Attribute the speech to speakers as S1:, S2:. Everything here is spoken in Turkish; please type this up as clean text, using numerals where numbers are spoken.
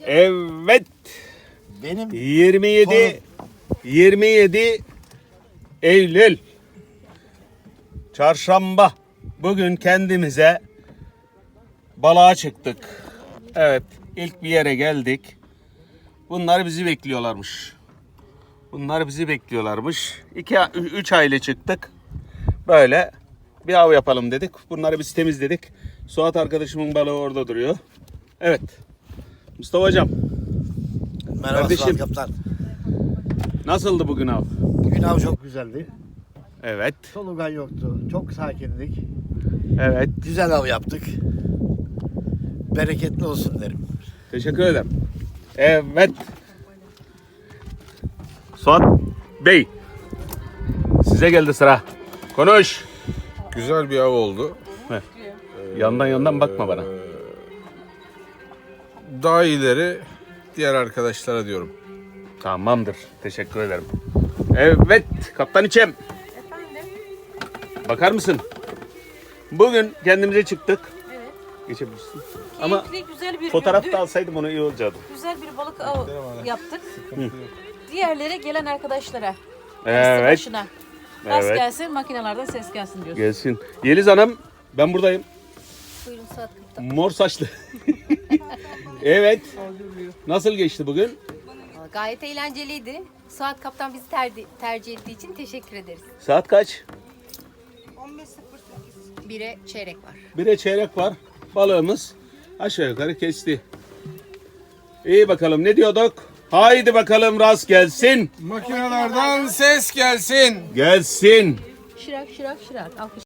S1: Evet.
S2: Benim
S1: 27 Eylül Çarşamba. Bugün kendimize balığa çıktık. Evet, ilk bir yere geldik. Bunlar bizi bekliyorlarmış. 3 aile çıktık. Böyle bir av yapalım dedik. Bunları biz temizledik. Suat arkadaşımın balığı orada duruyor. Evet. Mustafa hocam.
S2: merhaba
S1: Kardeşim.
S2: Suat Kaptan.
S1: Nasıldı bugün av?
S2: Bugün av çok güzeldi.
S1: Evet.
S2: Solugan yoktu. Çok sakindik.
S1: Evet.
S2: Güzel av yaptık. Bereketli olsun derim.
S1: Teşekkür ederim. Evet. Suat Bey. Size geldi sıra. Konuş.
S3: Güzel bir av oldu.
S1: Yandan bakma bana.
S3: Daha ileri diğer arkadaşlara diyorum.
S1: Tamamdır. Teşekkür ederim. Evet. Kaptan İçem.
S4: Efendim?
S1: Bakar mısın? Bugün kendimize çıktık.
S4: Evet.
S1: Geçebilirsin. Ama
S4: Keyifli, güzel bir
S1: fotoğraf
S4: gündü.
S1: da alsaydım onu iyi olacaktı.
S4: Güzel bir balık av yaptık. Diğerlere gelen arkadaşlara.
S1: Evet.
S4: Başına. Rast
S1: Evet.
S4: gelsin, makinelerden ses gelsin diyorsun.
S1: Gelsin. Yeliz Hanım, ben buradayım.
S4: Buyurun Suat Kaptan.
S1: Mor saçlı. Evet. Nasıl geçti bugün?
S5: Gayet eğlenceliydi. Suat Kaptan bizi tercih ettiği için teşekkür ederiz.
S1: Saat kaç?
S5: 1'e çeyrek var.
S1: 1'e çeyrek var. Balığımız aşağı yukarı kesti. İyi bakalım, ne diyorduk? Haydi bakalım, rast gelsin.
S3: Makinelerden ses gelsin.
S1: Gelsin.
S4: Şırak şırak şırak. Alkış.